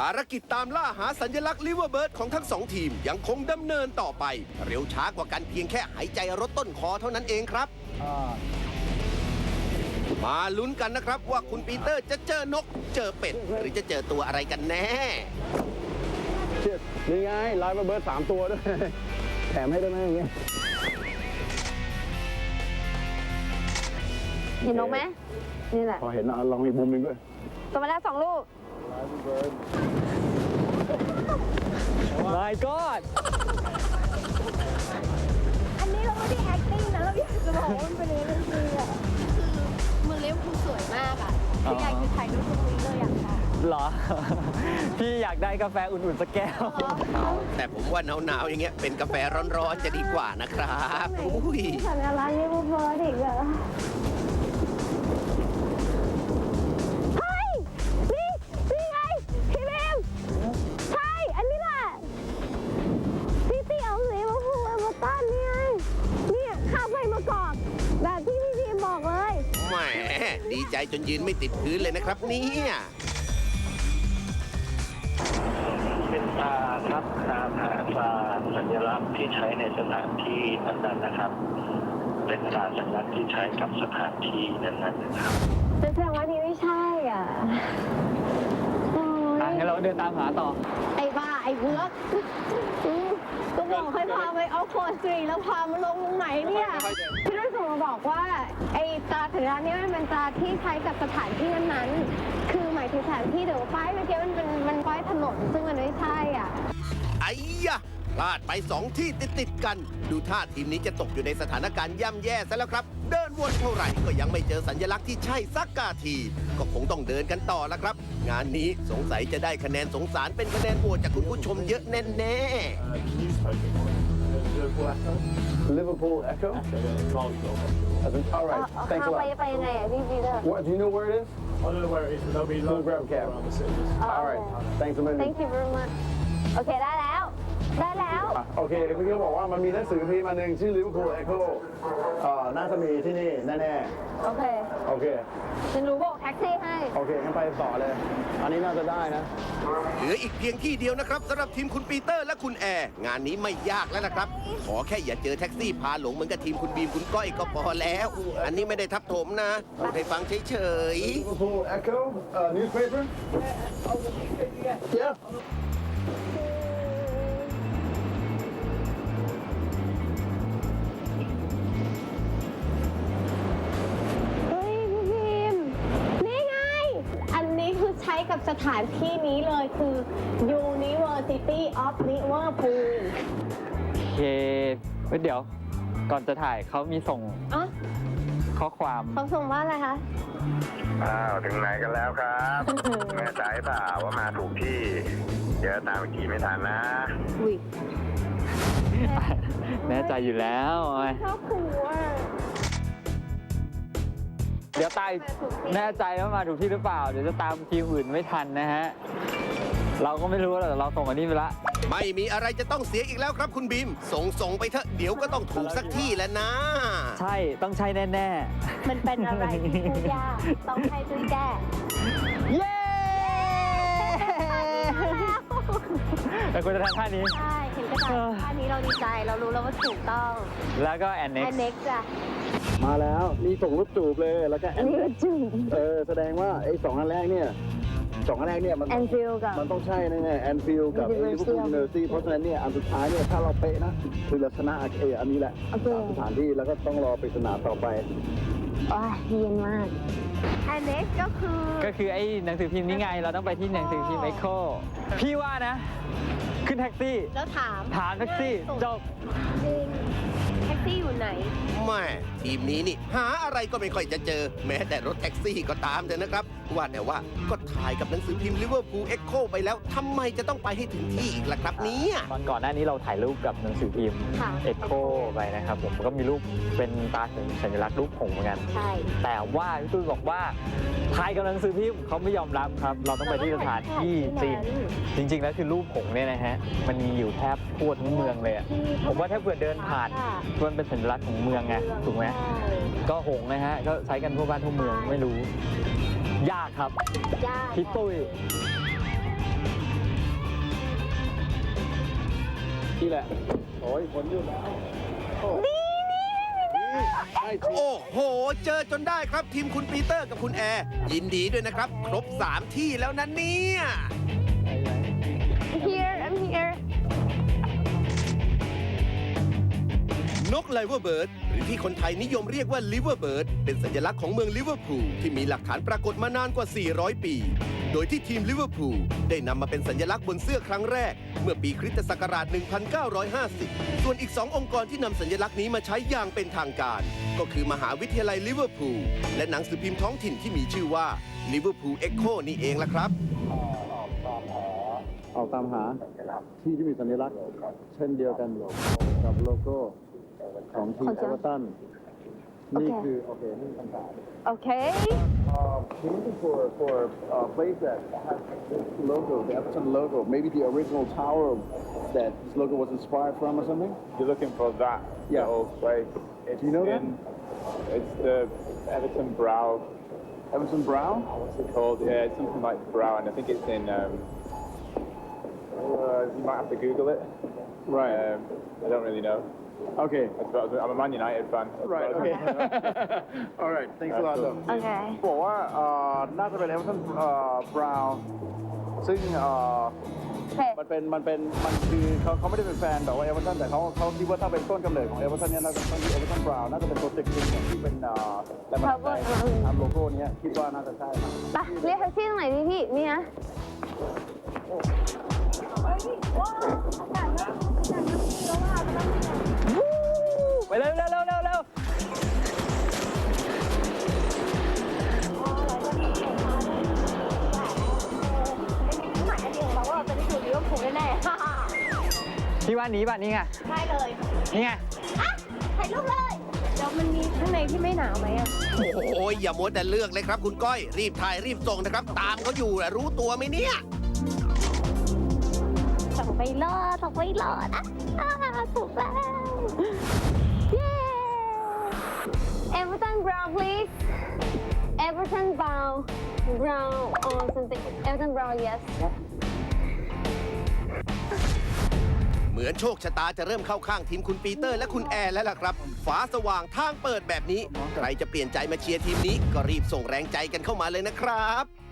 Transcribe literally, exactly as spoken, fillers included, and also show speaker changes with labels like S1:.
S1: ารกิจตามล่าหาสัญลักษณ์ลิเวอร์เบิร์ดของทั้งสองทีมยังคงดำเนินต่อไป เร็วช้ากว่ากันเพียงแค่หายใจรถต้นคอเท่านั้นเองครับ มาลุ้นกันนะครับว่าคุณปีเตอร์จะเจอนกเจอเป็ด หรือจะเจอตัวอะไรกันแน่
S2: นี่ไงไลฟ์เบิร์ดสามตัวด้วย แถมให้ได้ไหมอย่างเงี้ย
S3: เห็นนกไหมนี่แหละ
S2: พอเห็นอ่ะลองอีกมุมหนึงด้วย
S3: ตัวมาแล้วสองลูก
S4: My God
S3: อันนี้เราไม่ได้ acting นะเราอยากจะบอกว่ามันเป็นเรื่องจริงอะคือเมืองลิเวอร์พูลสวยมากอ่ะคืออยากจะถ่ายรูปตรงนี้เลยอยากถ่าย
S4: เหรอ พี่อยากได้กาแฟอุ่นๆสักแก้ว
S1: แต่ผมว่าหนาวๆอย่างเงี้ยเป็นกาแฟร้อนๆจะดีกว่านะครับอุ้ย
S3: สัญลักษณ์ลิเวอร์พูลอีกเหรอเฮ้ยนี่นี่ไงพี่เบมใช่อันนี้แหละซิตี้ออฟลิเวอร์พูลเอเวอร์ตันนี่ไงเนี่ยข้ามไปมากอกแบบที่พี่พีมบอกเลย
S1: แหมดีใจจนยืนไม่ติดพื้นเลยนะครับเนี่ย
S5: เป็นตราครับตามหาตราสัญลักษณ์ที่ใช้ในสถานที่นั้นๆนะครับ เป็นตราสัญลักษณ์ที่ใช้กับสถานที่นั้นๆนะครับ
S3: จะแสดงว่านี่ไม่ใช่อ่ะโอ้
S4: อ่ะ
S3: ย
S4: งั้นเราเดินตามหาต่อ
S3: ไอ้บ้า ไอ้เบือกอืมก็บอกให้พาไปเอาโฟนสตรีแล้วพามาลงตรงไหนเนี่ยพี่ได้ส่งมาบอกว่า ไอ้ตราสัญลักษณ์นี้มันเป็นตราที่ใช้กับสถานที่นั้นๆ คือหมายถึงสถานที่เดี๋ยวป้ายเมื่อกี้มันเป็นมันป้ายถนนซึ่งมันไม่ใช่อ่ะ
S1: ไอ้ยะพลาดไปสองที่ติดๆกัน ดูท่าทีมนี้จะตกอยู่ในสถานการณ์ย่ำแย่ซะแล้วครับ เดินวนเท่าไหร่ก็ยังไม่เจอสัญลักษณ์ที่ใช่สักกาที ก็คงต้องเดินกันต่อแล้วครับ งานนี้สงสัยจะได้คะแนนสงสารเป็นคะแนนโหวตจากคุณผู้ชมเยอะแน่ๆ
S2: Liverpool Echo All right
S3: เอา
S2: thanks a
S3: เข้าไป
S2: lot
S3: ไปยังไงอ่ะพี่พีเตอร์
S2: What do you know where it is
S6: I don't know where it is, but there'll be
S2: We'll
S6: loads
S2: grab
S6: of
S2: cab.
S6: around the city.
S3: อ๋อ
S2: All right thanks a million
S3: Thank you very much โอเคได้แล้ว ได้แล้ว
S2: อ่ะโอเคเมื่อกี้บอกว่ามันมีหนังสือพิมพ์มาหนึ่งชื่อ Liverpool Echo เอ่อน่าจะมีที่นี่แน่
S3: โอเค
S2: ๆโอเค
S3: ฉันรู้บอกแท็กซี่ให้
S2: โอเคงั้นไปต่อเลย อันนี้น่าจะได้นะ
S1: เหลืออีกเพียงที่เดียวนะครับสำหรับทีมคุณปีเตอร์และคุณแอร์งานนี้ไม่ยากแล้วนะครับ ขอแค่อย่าเจอแท็กซี่พาหลงเหมือนกับทีมคุณบีมคุณก้อยก็พอแล้ว อันนี้ไม่ได้ทับถมนะพูดให้ฟังเฉย
S2: Liverpool Echo uh, newspaper yeah
S3: เฮ้ยพี่พิมพ์นี่ไง อันนี้คือใช้กับสถานที่นี้เลยคือ University of Liverpool
S4: โอเคเฮ้ยเดี๋ยว ก่อนจะถ่ายเขามีส่ง
S3: อ๋อ
S4: ข้อความ
S3: เขาส่งว่าอะไรคะ
S5: อ้าว ถึงไหนกันแล้วครับแน่ใจเปล่าว่ามาถูกที่ เดี๋ยวตามอีกทีไม่ทันนะ
S3: อุ้ย
S4: แน่ใจอยู่แล้วเอาไว้
S3: ชอบขู่อ่ะ
S4: เดี๋ยวตายแน่ใจว่ามาถูกที่หรือเปล่า เดี๋ยวจะตามทีมอื่นไม่ทันนะฮะ เราก็ไม่รู้หรอกแต่เราส่งอันนี้ไปละ
S1: ๆ ไม่มีอะไรจะต้องเสียอีกแล้วครับคุณบีม ส่งส่งไปเถอะเดี๋ยวก็ต้องถูกสักที่แล้วนะ
S4: ใช่ต้องใช่แน่
S3: มันเป็นอะไรที่พูดยากต้องให้จุ้ยแก้
S4: ๆ เย้แต่คุณจะทำท่านี้
S3: ใช่เห็นกระดาษท่านี้เราดีใจเรารู้แล้วว่าถูกต้อง
S4: แล้วก็แอนเน็ก
S3: แอนเน็กจ้ะ
S2: มาแล้วนี่ส่งรูปจูบเลยแล้วก็
S3: อันนี้ก็จุ้ย
S2: เออแสดงว่าไอ้สองอันแรกเนี่ยสองอันแรกเนี่ยมัน
S3: แอนฟิลกับ
S2: มันต้องใช่แน่ๆแอนฟิลกับ
S3: University
S2: ลิเวอร์พูลยูนิเวอร์ซิตี้เพราะฉะนั้นเนี่ยอันสุดท้ายเนี่ยถ้าเราเป๊ะนะคือเราชนะเอออันนี้แหละ
S3: โอเค
S2: ตามสถานที่แล้วก็ต้องรอปริศนาต่อไป
S3: โอ้ยเย็นมากแอนเน็กก็คือ
S4: ก็คือไอ้หนังสือพิมพ์นี้ไง เราต้องไปที่หนังสือพิมพ์ Echo พี่ว่านะ ขึ้นแท็กซี่
S3: แล้วถาม
S4: ถามแท็กซี่ จบ
S3: จริงแท็กซี่อยู่ไหน
S1: แม่ทีมนี้นี่หาอะไรก็ไม่ค่อยจะเจอ แม้แต่รถแท็กซี่ก็ตามเถอะนะครับ ว่าแต่ว่าก็ถ่ายกับหนังสือพิมพ์ลิเวอร์พูลเอ็กโคไปแล้วทำไมจะต้องไปให้ถึงที่อีกล่ะครับเนี่ย
S4: ตอนก่อนหน้านี้เราถ่ายรูปกับหนังสือพิมพ์
S3: ค่ะ
S4: Echo ไปนะครับผมก็มีรูปเป็นตราสัญลักษณ์รูปหงส์เหมือนกัน
S3: ใช่
S4: แต่ว่าพี่ตุ้ยบอกว่าถ่ายกับหนังสือพิมพ์เขาไม่ยอมรับครับ เราต้องไปที่สถานที่จริง จริง ๆ แล้วคือรูปหงส์เนี่ยนะฮะมันมีอยู่แทบทั่วทั้งเมืองเลยอะผมว่าถ้าเผื่อเดินผ่านมันเป็นสัญลักษณ์ของเมืองไงถูกไหมก็หงส์นะฮะก็ใช้กันทั่วบ้านทั่วเมืองไม่รู้ ยากครับ
S3: ยาก
S4: พี่ตุ้ย
S2: นี่แหละ โอ้ยผลอยู่แล้วโอ้นี่ใช่จริง
S1: โอ้โห เจอจนได้ครับทีมคุณปีเตอร์กับคุณแอร์ ยินดีด้วยนะครับ ครบสามที่แล้วนะเนี่ย
S3: here I'm here
S1: นกไลเวอร์เบิร์ดหรือที่คนไทยนิยมเรียกว่าลิเวอร์เบิร์ดเป็นสัญลักษณ์ของเมืองลิเวอร์พูลที่มีหลักฐานปรากฏมานานกว่า สี่ร้อย ปี โดยที่ทีมลิเวอร์พูลได้นำมาเป็นสัญลักษณ์บนเสื้อครั้งแรก เมื่อปีคริสตศักราช หนึ่งพันเก้าร้อยห้าสิบ ส่วนอีกสององค์กรที่นำสัญลักษณ์นี้มาใช้อย่างเป็นทางการ ก็คือมหาวิทยาลัยลิเวอร์พูลและหนังสือพิมพ์ท้องถิ่นที่มีชื่อว่าลิเวอร์พูลเอ็กโคนี่เองล่ะครับ
S2: ออกตามหาที่ที่มีสัญลักษณ์เช่นเดียวกันกับโลโก้ของทีม
S3: ของ
S2: เอ
S3: เจ้า
S2: เวอร์ตัน
S3: โอเค
S2: นี่คือโอเคนี่คำถาม
S3: okay
S2: Um, can you look for for a place that has this logo, the Everton logo, maybe the original tower that this logo was inspired from or something?
S6: You're looking for that
S2: Yeah.
S6: little place. It's
S2: Do you know that?
S6: in, It's the Everton Brow.
S2: Everton Brown?
S6: What's it called? Yeah, it's something like Brow, and I think it's in. Um, uh, you might have to Google it.
S2: Right.
S6: Um, I don't really know.
S2: Okay.
S6: That's about, I'm a Man United fan. That's
S2: Right.
S6: about-
S2: Okay. All right. Thanks a lot. though.
S3: okay
S2: บอกว่าเอ่อน่าจะเป็น Everton เอ่อ Brown ซึ่งเอ่อ
S3: โอเค
S2: มันเป็นมันเป็นมันคือเขาเขาไม่ได้เป็นแฟนแบบว่าเอเวอร์ตันแต่เขาเขาคิดว่าถ้าเป็นต้นกำเนิดของเอเวอร์ตันเนี่ยน่าจะต้องที่เอเวอร์ตันบราวน์น่าจะเป็นโปรเจกต์จริงอย่างที่เป็นเอ่อแรงบันดาลใจตามโลโก้เนี้ยคิดว่าน่าจะใช่ครับ
S3: ไปเรียกแท็กซี่ตรงไหนดีพี่นี่นะ
S4: ไปเร็วเร็วเร็วเร็วเร็ว
S3: หมายอันเดียวเราว่าเราจะได้ดูลิเวอร์พูลแน่ๆ
S4: พี่ว่านี้ป่ะนี่ไง
S3: ได้เลย
S4: นี่ไง
S3: อ่ะถ่ายรูปเลยเดี๋ยวมันมีข้างในที่ไม่หนาวไหมอ่ะ
S1: โอ้ยอย่ามัวแต่เลือกเลยครับคุณก้อย รีบถ่ายรีบส่งนะครับ ตามเขาอยู่นะรู้ตัวไหมเนี่ย
S3: ส่งไปรอดส่งไปรอดอ่ะอ่าถูกแล้ว เย้ Everton Brown please Everton Brown Brown or something Everton Brown yes
S1: เหมือนโชคชะตาจะเริ่มเข้าข้างทีมคุณปีเตอร์และคุณแอร์แล้วล่ะครับ ฟ้าสว่างทางเปิดแบบนี้ ใครจะเปลี่ยนใจมาเชียร์ทีมนี้ ก็รีบส่งแรงใจกันเข้ามาเลยนะครับ